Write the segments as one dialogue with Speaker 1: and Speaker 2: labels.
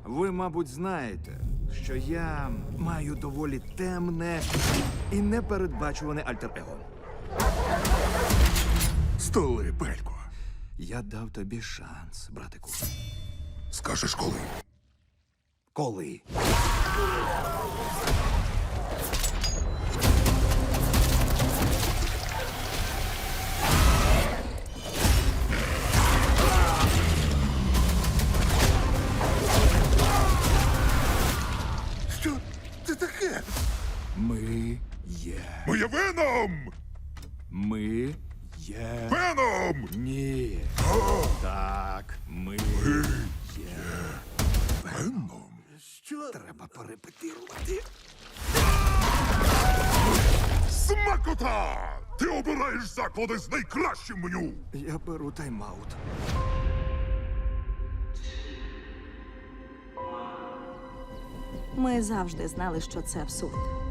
Speaker 1: Ви, мабуть, знаєте, що я маю доволі темне і непередбачуване альтер-его.
Speaker 2: Столи, Пелько.
Speaker 1: Я дав тобі шанс, братику.
Speaker 2: Скажеш коли?
Speaker 1: Коли?
Speaker 2: Що це таке?
Speaker 1: Ми є.
Speaker 2: Ми є Веном!
Speaker 1: Ми є.
Speaker 2: Веном!
Speaker 1: Ні. Так, ми є.
Speaker 2: Веном? Що?
Speaker 1: Треба перепетирувати.
Speaker 2: Смакота! Ти обираєш заклади з найкращим меню!
Speaker 1: Я беру тайм-аут.
Speaker 3: Ми завжди знали, що це абсурд.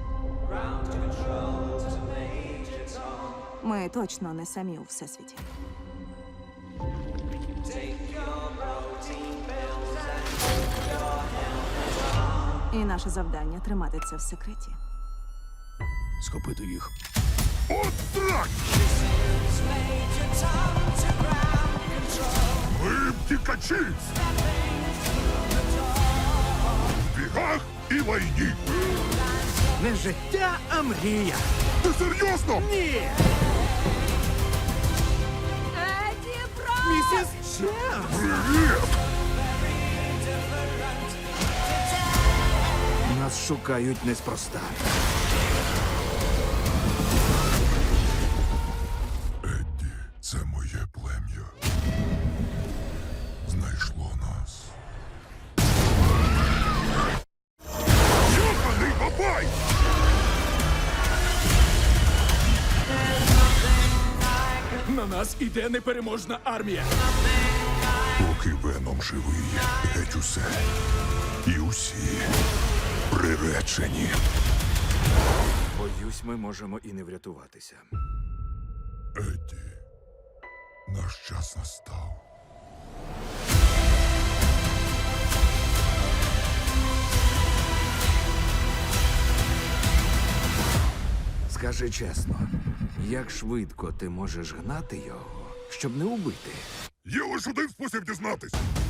Speaker 3: Ми точно не самі у всесвіті. І наше завдання тримати це в секреті.
Speaker 1: Схопити їх.
Speaker 2: От так! Ми втікачі! В бігах і лайні!
Speaker 1: Не життя, а мрія.
Speaker 2: Ти серйозно?
Speaker 1: Ні!
Speaker 3: Еді Бро!
Speaker 1: Місіс Чемс!
Speaker 2: Привіт!
Speaker 1: Нас шукають неспроста.
Speaker 2: Едді, це моє плем'я. Знайшло нас. Йоханий бабай!
Speaker 1: На нас іде непереможна армія.
Speaker 2: Поки Веном живий, геть усе. І усі приречені.
Speaker 1: Боюсь, ми можемо і не врятуватися.
Speaker 2: Едді, наш час настав.
Speaker 1: Скажи чесно, як швидко ти можеш гнати його, щоб не убити?
Speaker 2: Є лише один спосіб дізнатись.